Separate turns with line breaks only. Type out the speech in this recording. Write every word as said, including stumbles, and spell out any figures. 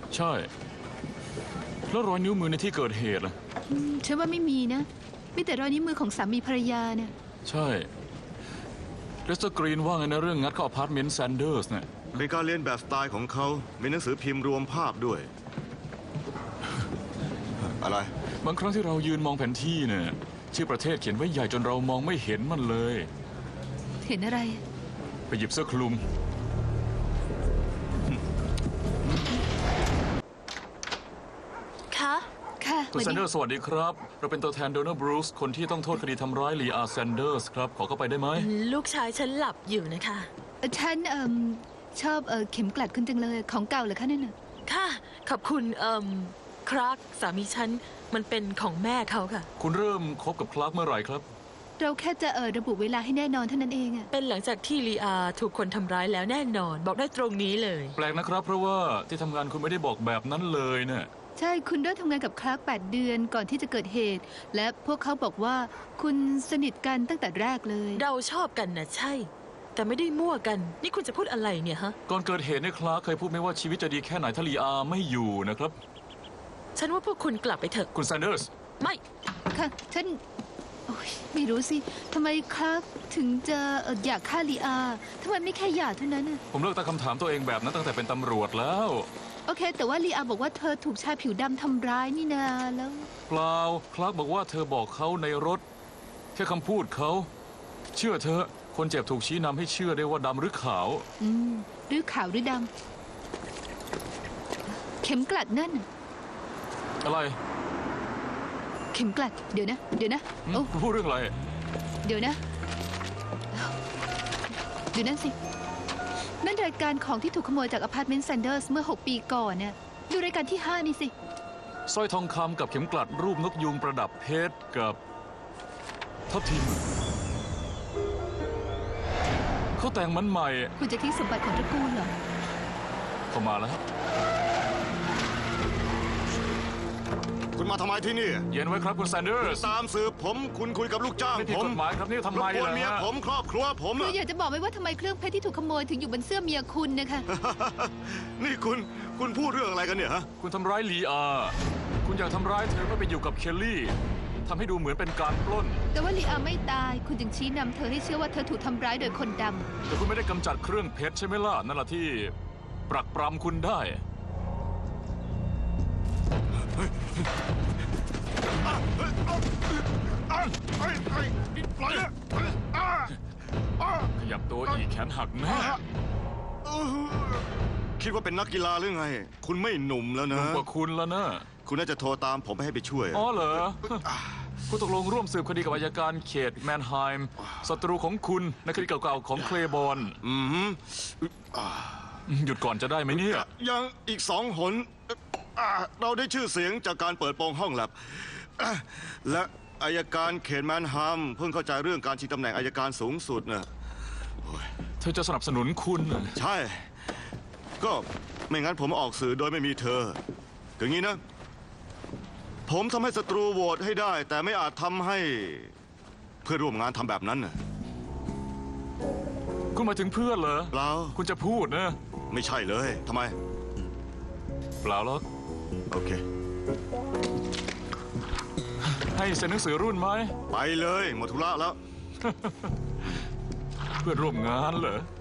ใช่แล้วรอยนิ้วมือในที่เกิดเหตุล่ะ
ฉันว่าไม่มีนะมีแต่รอยนิ้วมือของสามีภรรยาเนี่ย
ใช่เลสเตอร์กรีนว่าไงนะเรื่องงัดเข้าอพาร์ตเมนต์แซนเดอร์สเนี่ย
เป็นการเรียนแบบสไตล์ของเขามีหนังสือพิมพ์รวมภาพด้วย อะไร
บางครั้งที่เรายืนมองแผนที่เนี่ยชื่อประเทศเขียนไว้ใหญ่จนเรามองไม่เห็นมันเลย
เห็นอะไร
ไปหยิบเสื้อคลุม
คะค่ะ
คุณแซนเดอร์สวัสดีครับเราเป็นตัวแทนโดนัลด์บรูซคนที่ต้องโทษคดีทำร้ายลีอาแซนเดอร์สครับขอเข้าไปได้ไหม
ลูกชายฉันหลับอยู่นะคะ
ฉันเอ่อชอบเอ่อเข็มกลัดคุณจังเลยของเก่าเหรอคะนั่นน่ะ
ค่ะขอบคุณเอ่อคลาร์กสามีฉันมันเป็นของแม่เขาค่ะ
คุณเริ่มคบกับคลาร์กเมื่อไหร่ครับ
เราแค่จะเออระบุเวลาให้แน่นอนเท่านั้นเองอะ
เป็นหลังจากที่ลีอาถูกคนทำร้ายแล้วแน่นอนบอกได้ตรงนี้เลย
แปลกนะครับเพราะว่าที่ทำงานคุณไม่ได้บอกแบบนั้นเลยเนี่ย
ใช่คุณเริ่มทำงานกับคลาร์กแปดเดือนก่อนที่จะเกิดเหตุและพวกเขาบอกว่าคุณสนิทกันตั้งแต่แรกเลย
เราชอบกันนะใช่แต่ไม่ได้มั่วกันนี่คุณจะพูดอะไรเนี่ยฮะ
ก่อนเกิดเหตุเนี่ยคลาร์กเคยพูดไหมว่าชีวิตจะดีแค่ไหนถ้าลีอาไม่อยู่นะครับ
ฉันว่าพวกคุณกลับไปเถอะ
คุณแซนเดอร์ส
ไม่
ค่ะฉันไม่รู้สิทำไมคลาร์กถึงจะอยากฆ่าลีอาทำไมไม่แค่อยากเท่านั้นน่ะ
ผมเลิกตั้งคำถามตัวเองแบบนั้นตั้งแต่เป็นตำรวจแล้ว
โอเคแต่ว่าลีอาบอกว่าเธอถูกชายผิวดำทำร้ายนี่นาแล้ว
เปล่าคลาร์กบอกว่าเธอบอกเขาในรถแค่คำพูดเขาเชื่อเธอคนเจ็บถูกชี้นำให้เชื่อได้ว่าดำหรือขาว
อืมหรือขาวหรือดำเข็มกลัดนั่น
อะไร
เข็มกลัดเดี๋ยวนะเดี๋ยวนะ
โอ้พูดเรื่องอะไร
เดี๋ยวนะเดี๋ยวนั่นสินั่นรายการของที่ถูกขโมยจากอพาร์ตเมนต์แซนเดอร์สเมื่อหกปีก่อนเนี่ยดูรายการที่ห้านี่สิ
สร้อยทองคำกับเข็มกลัดรูปนกยูงประดับเพชรกับทับทิมเขาแต่งมันใหม่
คุณจะทิ้งสมบัติของตระกูลเหรอ
เข้ามาแล้ว
คุณมาทำไมที่นี่
เย็นไว้ครับคุณแซนเดอร์ส
ตามสืบผมคุณคุยกับลูกจ้าง
ผมไม่ผิดกฎหมายครับนี่ทำไมล่ะ
เมียผมครอบครัวผม
คืออยากจะบอกไหมว่าทำไมเครื่องเพชรที่ถูกขโมยถึงอยู่บนเสื้อเมียคุณนะคะ
นี่คุณคุณพูดเรื่องอะไรกันเนี่ยฮะ
คุณทำร้ายลีอาคุณอยากทำร้ายเธอเพื่อไปอยู่กับเคลลี่ทำให้ดูเหมือนเป็นการปล้น
แต่ว่าลีอาไม่ตายคุณจึงชี้นำเธอให้เชื่อว่าเธอถูกทำร้ายโดยคนดำ
แต่คุณไม่ได้กำจัดเครื่องเพชรใช่ไหมล่ะนั่นแหละที่ปรักปรำคุณได้ขยับตัวอีกแขนหักแน่
คิดว่าเป็นนักกีฬาหรือไงคุณไม่หนุ่มแล้วนะ
หนุ่มกว่าคุณแล้วนะ
คุณน่าจะโทรตามผมไปให้ไปช่วย
อ๋อเหรอคุณตกลงร่วมสืบคดีกับอัยการเขตแมนไฮม์ศัตรูของคุณในคดีเก่าๆของเคลบอน
อืม
หยุดก่อนจะได้ไหมเนี่ย
ยังอีกสองหนเราได้ชื่อเสียงจากการเปิดโปงห้องแลบและอัยการเขตแมนไฮม์เพิ่งเข้าใจเรื่องการชิงตำแหน่งอัยการสูงสุดนะ
เธอจะสนับสนุนคุณ
ใช่ก็ไม่งั้นผมออกสื่อโดยไม่มีเธออย่างนี้นะผมทำให้ศัตรูโหวตให้ได้แต่ไม่อาจทำให้เพื่อนร่วมงานทำแบบนั้นน่ะ
คุณหมายถึงเพื่อนเหรอ
เปล่า
คุณจะพูดนะ
ไม่ใช่เลยทำไม
เปล่าหรอก
โอเค
ให้เซ็นหนังสือรุ่นไหม
ไปเลยหมดธุระแล้ว
เพื่อนร่วมงานเหรอ